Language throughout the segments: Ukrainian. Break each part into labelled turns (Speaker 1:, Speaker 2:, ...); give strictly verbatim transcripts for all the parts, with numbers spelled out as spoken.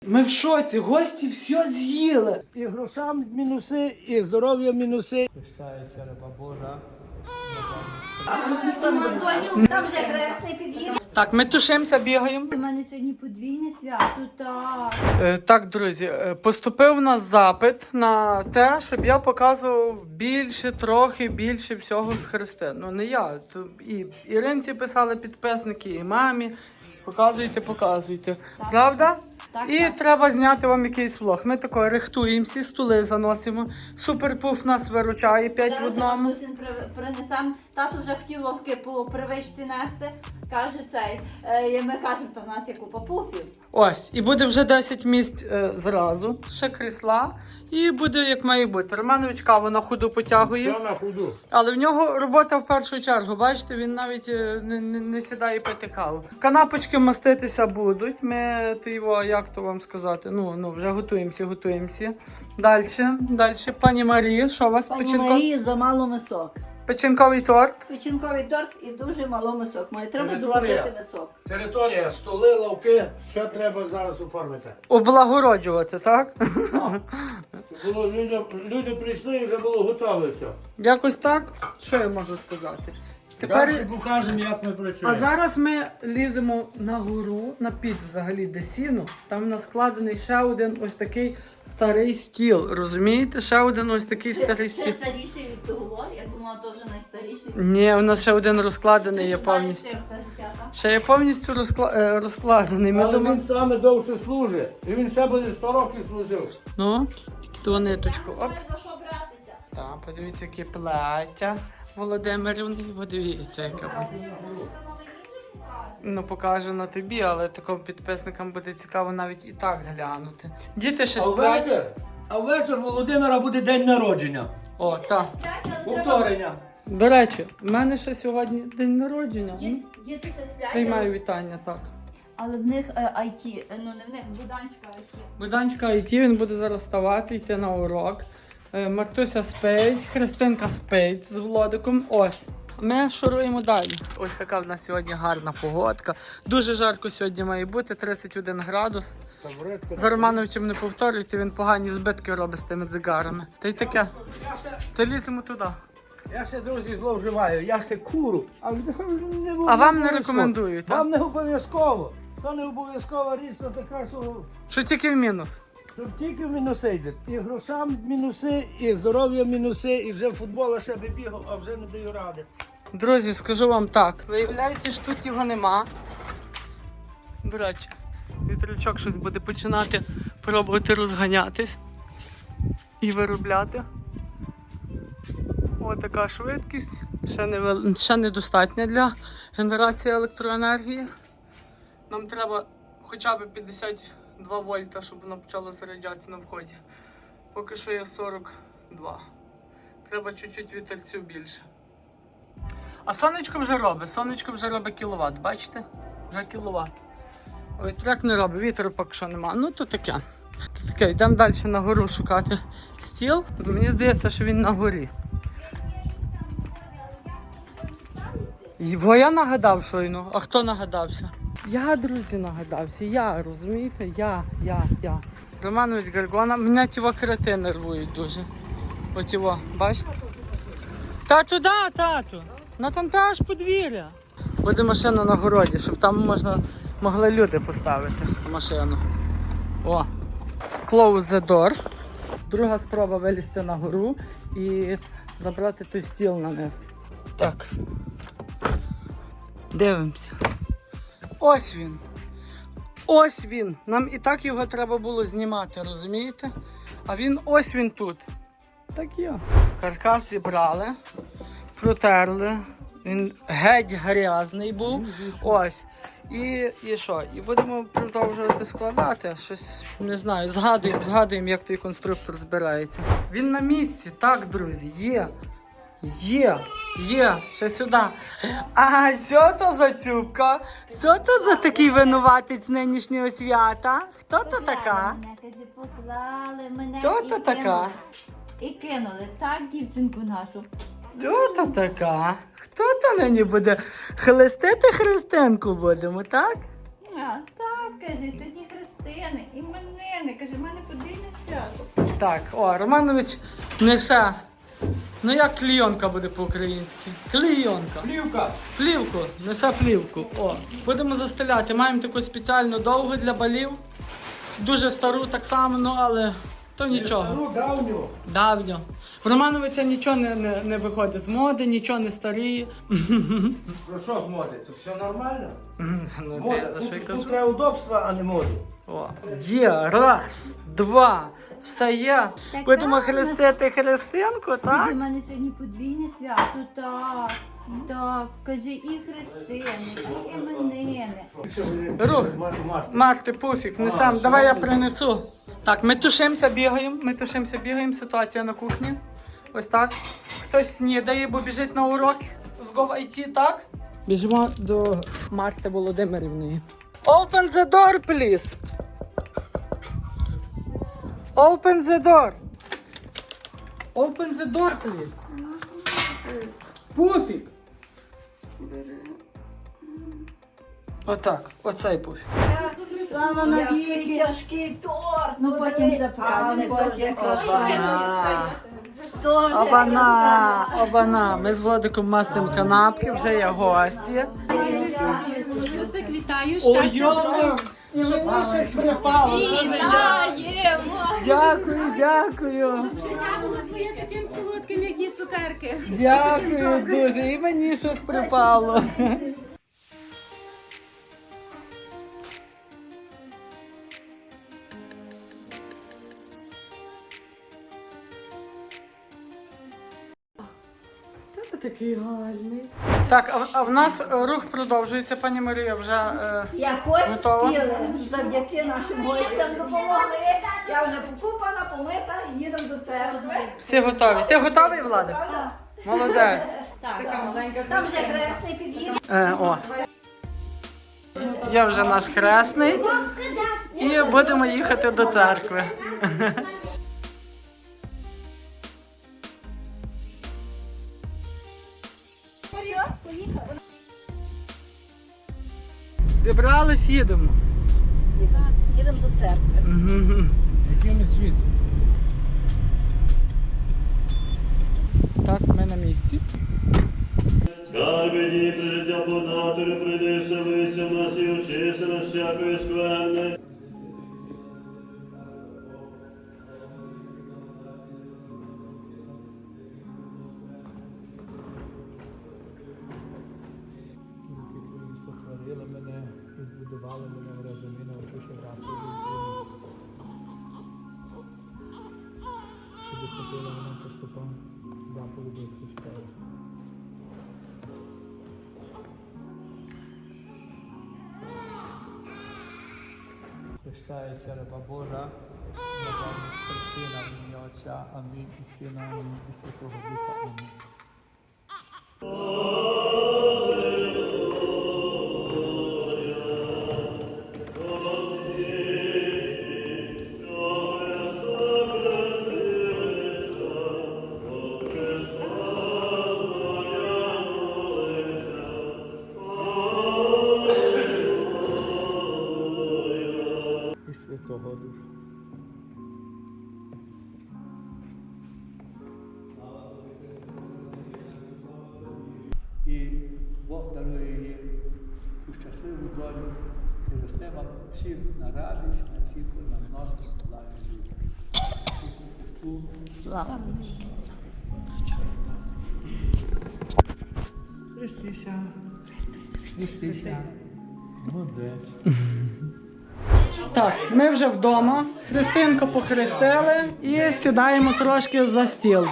Speaker 1: Ми в шоці, гості все з'їли.
Speaker 2: І грошам мінуси, і здоров'я мінуси. Пишається риба Божа.
Speaker 3: Там вже хресний під'їв.
Speaker 1: Так, ми тушимося, бігаємо.
Speaker 3: У мене сьогодні подвійне свято, так.
Speaker 1: Е, так, друзі, е, поступив у нас запит на те, щоб я показував більше, трохи більше всього з Христи. Ну не я. То і Іринці писали підписники, і мамі. Показуйте, показуйте.
Speaker 3: Так.
Speaker 1: Правда?
Speaker 3: Так,
Speaker 1: І
Speaker 3: так.
Speaker 1: треба зняти вам якийсь влог. Ми тако рихтуємо, всі стули заносимо. Суперпуф нас виручає п'ять в одному.
Speaker 3: Принесем. Тато вже хотів ловки по привичці нести. Каже цей. Е, Ми кажемо, то в нас є купа пуфів.
Speaker 1: Ось, і буде вже десять місць е, зразу, ще крісла, і буде як має бути. Романович каву на ходу потягує,
Speaker 2: Все на ходу.
Speaker 1: але в нього робота в першу чергу, бачите, він навіть е, не, не, не сідає пити каву. Канапочки маститися будуть, ми то його, як то вам сказати, ну, ну вже готуємося, готуємося. Далі, далі, пані Марії, що у вас
Speaker 4: Пані
Speaker 1: печінко...
Speaker 4: Марії замало мисок.
Speaker 1: печінковий торт?
Speaker 4: Печінковий торт і дуже мало мисок. Має треба
Speaker 2: Територія.
Speaker 4: добавити мисок.
Speaker 2: Територія, столи, лавки, що треба зараз оформити.
Speaker 1: Облагороджувати, так?
Speaker 2: Щоб було, люди, люди прийшли і вже було готове все.
Speaker 1: Якось так, що я можу сказати?
Speaker 2: Далі покажемо, як ми працюємо.
Speaker 1: А зараз ми ліземо на гору, на під взагалі де сіну. Там в нас складений ще один ось такий старий стіл. Розумієте? Ще один ось такий старий
Speaker 3: Ще
Speaker 1: стіл.
Speaker 3: старіший від того, я думала, то вже найстаріший.
Speaker 1: Ні, у нас ще один розкладений
Speaker 3: Ти
Speaker 1: є
Speaker 3: що, знаєш,
Speaker 1: повністю.
Speaker 3: все життя, так?
Speaker 1: Ще є повністю розкла... е, розкладений. Ми
Speaker 2: Але
Speaker 1: думали...
Speaker 2: він саме довше служить. І він ще буде сто років служив.
Speaker 1: Ну, ту ниточку. Оп.
Speaker 3: Має за що братися.
Speaker 1: Так, подивіться, яке плаття Володимирівни. Подивіться, яке буде. Ну, покажу на тобі, але таким підписникам буде цікаво навіть і так глянути. Діти ще
Speaker 2: А
Speaker 1: сплять.
Speaker 2: ввечір, а ввечір Володимира буде день народження.
Speaker 1: О, так.
Speaker 2: Повторення.
Speaker 1: До речі, в мене ще сьогодні день народження. Ну,
Speaker 3: Діти діти ще сплять,
Speaker 1: приймаю
Speaker 3: але-
Speaker 1: вітання, так.
Speaker 3: але в них е, ай ті, е, ну не в них, буданчика ай ті.
Speaker 1: Буданчика ай ті, він буде зараз вставати, йти на урок. Е, Мартуся спить, Христинка спить з Володиком. Ось. Ми шуруємо далі. Ось така в нас сьогодні гарна погодка. Дуже жарко сьогодні має бути, тридцять один градус. За Романовичем не повторюйте, він погані збитки робить з тими дзигарами. Та й таке.
Speaker 2: Я ще,
Speaker 1: Та ліземо туди.
Speaker 2: я ще, друзі, зловживаю. Я ще куру. А, не
Speaker 1: А вам не
Speaker 2: обов'язково.
Speaker 1: рекомендують, так?
Speaker 2: Вам не обов'язково. То не обов'язкова річ, то така, що
Speaker 1: Що тільки в мінус.
Speaker 2: щоб тільки в мінуси йде. І грошам мінуси, і здоров'я мінуси, і вже футбола ще би бігав, а вже не даю ради.
Speaker 1: Друзі, скажу вам так. Виявляється, що тут його нема. До речі, вітрячок щось буде починати пробувати розганятись і виробляти. Ось така швидкість. Ще, не, вел- ще недостатня для генерації електроенергії. Нам треба хоча б п'ятдесят два вольта, щоб воно почало заряджатися на вході. Поки що є сорок два. Треба чуть-чуть вітерцю більше. А сонечко вже робить, сонечко вже робить кіловат, бачите? Вже кіловат. Вітряк не робить, вітру поки що нема. Ну то таке. То таке, йдемо далі на гору шукати стіл. Мені здається, що він на горі. Його я нагадав щойно, а хто нагадався? Я, друзі, нагадався, я, розумієте? Я, я, я. Романович Гаргона, мене ті крити нервують дуже. Ось його, бачите? Та туди, тату! На там та аж подвір'я. Буде машина на городі, щоб там можна, могли люди поставити машину. О, close the door. Друга спроба вилізти на гору і забрати той стіл на низ. Так. Дивимося. Ось він. Ось він. Нам і так його треба було знімати, розумієте? А він ось він тут. Так є. Каркас зібрали, протерли. Він геть грязний був. Ось. І, і що? І будемо продовжувати складати. Щось, не знаю, згадуємо, згадуємо, як той конструктор збирається. Він на місці, так, друзі, є. Є, є, ще сюди. А що то за цюбка? Що то за такий винуватець нинішнього свята? Хто то така?
Speaker 3: Мене казі поклали, мене
Speaker 1: Хто
Speaker 3: і
Speaker 1: то така?
Speaker 3: кинули. І кинули, так, дівчинку нашу.
Speaker 1: Хто то така? Хто то нині буде хрестити Христинку будемо, так?
Speaker 3: А, так, кажи, сьогодні Христос. Христини, іменини. Каже, в мене подвійне свято.
Speaker 1: Так, о, Романович несе. Ну як клійонка буде по-українськи? Клійонка.
Speaker 2: Плівка.
Speaker 1: Плівку, несе плівку. О, будемо застеляти. Маємо таку спеціальну довгу для балів. Дуже стару так само, ну але то нічого.
Speaker 2: Стару давню.
Speaker 1: Давньо. В Романовича нічого не, не, не виходить з моди, нічого не старіє.
Speaker 2: Про що з моди? То все нормально?
Speaker 1: Ну,
Speaker 2: Мода.
Speaker 1: ти за що й
Speaker 2: Тут,
Speaker 1: кажу?
Speaker 2: тут треба удобства, а не моду.
Speaker 1: О, є, раз, два, все є.
Speaker 3: Так,
Speaker 1: Будемо
Speaker 3: так,
Speaker 1: хрестити Христинку,
Speaker 3: У
Speaker 1: так?
Speaker 3: мене сьогодні подвійне свято, так. Так, каже, і Христини, і іменини.
Speaker 1: Рух.
Speaker 2: Марти, Марти.
Speaker 1: Марти, пуфік, несем, давай я принесу. Так, ми тушимося, бігаємо, ми тушимося, бігаємо, ситуація на кухні. Ось так. Хтось снідає, бо біжить на урок з Gov.ай ті, так? Біжимо до Марти Володимирівної. Open the door, please. Open the door. Open the door, please. Пуфік. Отак, оцей пуфік.
Speaker 3: Слава
Speaker 4: Який тяжкий торт.
Speaker 3: Ну, потім
Speaker 4: подивись.
Speaker 3: запрацюємо,
Speaker 4: А,
Speaker 3: потім
Speaker 4: не
Speaker 1: Обана.
Speaker 4: Тоже
Speaker 1: Обана, обана. Ми з Владиком мастимо канапки, вже є гості.
Speaker 5: Люсик, вітаю,
Speaker 1: Ой,
Speaker 5: щастя,
Speaker 1: йо, і мені щось припало. Дуже дя-
Speaker 5: вітаємо!
Speaker 1: Дякую, дякую.
Speaker 5: Життя було твоє таким солодким, як ті цукерки.
Speaker 1: Дякую дуже. І мені щось припало. Такий гарний. Так, а, а в нас е, рух продовжується, пані Марія, вже е,
Speaker 4: Якось
Speaker 1: Готова?
Speaker 4: спіли. Завдяки нашим гостям допомогли. Я вже покупана, помита, їдемо до церкви.
Speaker 1: всі готові. Ти готовий, Влада?
Speaker 4: Правда?
Speaker 1: Молодець.
Speaker 4: Там вже хресний під'їхав.
Speaker 1: Е, о. Є вже наш хресний. І будемо їхати до церкви. Зібрались, їдемо.
Speaker 4: Їдемо до церкви.
Speaker 1: Мгм.
Speaker 2: Який ми світ?
Speaker 1: Так, ми на місці.
Speaker 6: Скарби дні прижиття податори, прийди вселися в нас і очися нас всякої скверни.
Speaker 2: Сотворили мене, і збудували мене в розумі, навчивши грати. Щоб хотіли мене поступом заповіді Христові. Прощається раба Божа, раба Христина, в ім'я Отця, Амінь, і Сина, Амінь, і Святого Духа, Амінь. І Святого Духа. І Бог дарує їм ту щасливу долю, і росте вам всім на радість, на всіх на множество слави Ісусу Христу.
Speaker 3: Слава.
Speaker 2: Христися. Христися. Молодець.
Speaker 1: Так, ми вже вдома. Христинку похрестили і сідаємо трошки за стіл.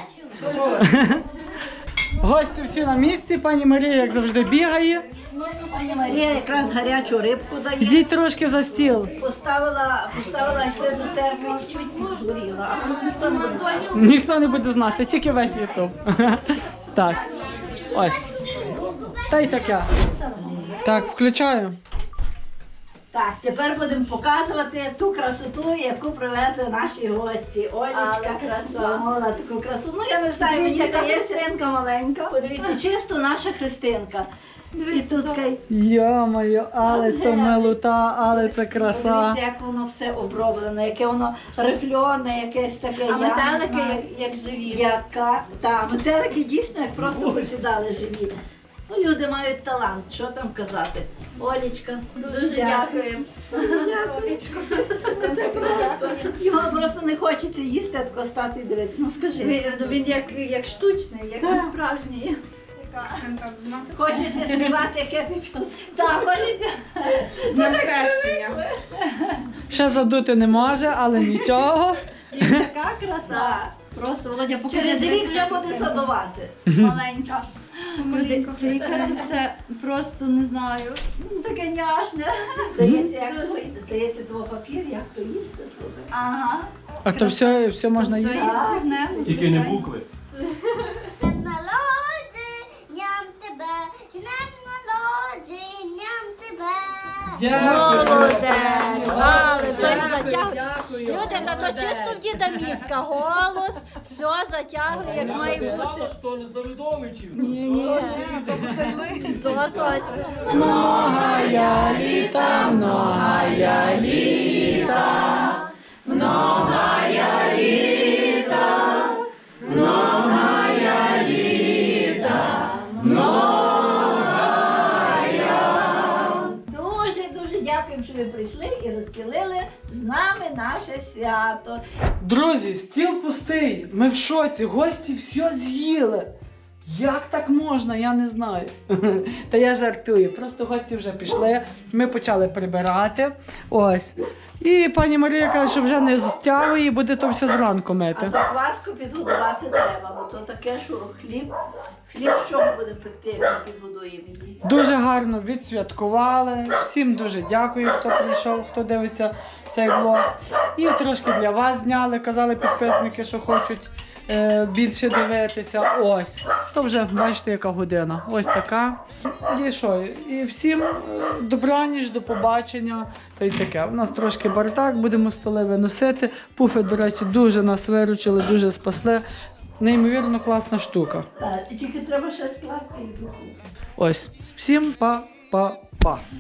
Speaker 1: Гості всі на місці, пані Марія, як завжди, бігає.
Speaker 4: Пані Марія якраз гарячу рибку дає.
Speaker 1: Йдіть трошки за стіл.
Speaker 4: Поставила, поставила, йшли до церкви, чуть підгоріла, а тут ніхто не буде знати.
Speaker 1: Ніхто не буде знати, тільки весь Ютуб. Так, ось. Та й таке. Так, включаю.
Speaker 4: Так, тепер будемо показувати ту красоту, яку привезли наші гості. Олечка
Speaker 3: Але краса.
Speaker 4: замовила таку красу. Ну, я не знаю, мені
Speaker 3: Дивіться, яка
Speaker 4: здається,
Speaker 3: Христинка маленька.
Speaker 4: подивіться, чисто наша Христинка. І тут кай.
Speaker 1: Йо-моє, але то милота, але це краса.
Speaker 4: Дивіться, як воно все оброблено, яке воно рифльоне, якесь таке.
Speaker 3: А
Speaker 4: я не
Speaker 3: метелики
Speaker 4: знаю.
Speaker 3: як, як живі.
Speaker 4: Яка та метелики дійсно як просто посідали живі. Ну, люди мають талант, що там казати. Олічка,
Speaker 3: Дуже дякуємо.
Speaker 4: Дякую. Це просто. Його просто не хочеться їсти, а тако стати і дивитися. Ну скажи.
Speaker 3: Він, ну, він як, як штучний, як
Speaker 4: Так.
Speaker 3: не справжній.
Speaker 4: Хочеться співати хеппі піс.
Speaker 3: Так, хочеться.
Speaker 5: На хрещення.
Speaker 1: Ще задути не може, але нічого.
Speaker 3: І така краса. Просто, Володя, покажи.
Speaker 4: Через рік
Speaker 3: дивись,
Speaker 4: вже буде садувати.
Speaker 3: маленька. Люди, це яке це все просто не знаю. Ну, таке няшне.
Speaker 4: Здається, як то, здається, твого папір, як то їсти, слухай.
Speaker 3: Ага.
Speaker 1: А то все, все можна
Speaker 3: Все
Speaker 1: їсти.
Speaker 3: їстівне, ну,
Speaker 6: Тільки не
Speaker 3: звичайно.
Speaker 6: букви.
Speaker 7: Народженням тебе, днем народженням тебе.
Speaker 3: Молодець! Але той затягує. Люди, та то чисто в діда мізка. Голос, все затягує, як має бути.
Speaker 8: Що не Давидовичів?
Speaker 3: Ні, ні. То точно.
Speaker 1: Многая літа, многая літа, многая літа, многая літа,
Speaker 4: Дуже, дуже дякуємо, що ви прийшли і розділили з нами наше свято.
Speaker 1: Друзі, стіл пустий. Ми в шоці. Гості все з'їли. Як так можна, я не знаю. Та я жартую. Просто гості вже пішли. Ми почали прибирати. Ось. І пані Марія каже, що вже не стягує, буде то все зранку
Speaker 4: А
Speaker 1: мити.
Speaker 4: закваску підготувати треба, бо то таке, що хліб. Хліб з чого будемо пекти, як ми підгодуємо її.
Speaker 1: Дуже гарно відсвяткували. Всім дуже дякую, хто прийшов, хто дивиться цей влог. І трошки для вас зняли. Казали підписники, що хочуть е, більше дивитися. Ось. То вже бачите, яка година. Ось така. І що? І всім е, добраніч, до побачення. Та й таке. У нас трошки бардак, будемо столи виносити. Пуфи, до речі, дуже нас виручили, дуже спасли. Неймовірно класна штука.
Speaker 4: Так, і тільки треба ще скласти і духу.
Speaker 1: Ось. Всім па-па-па.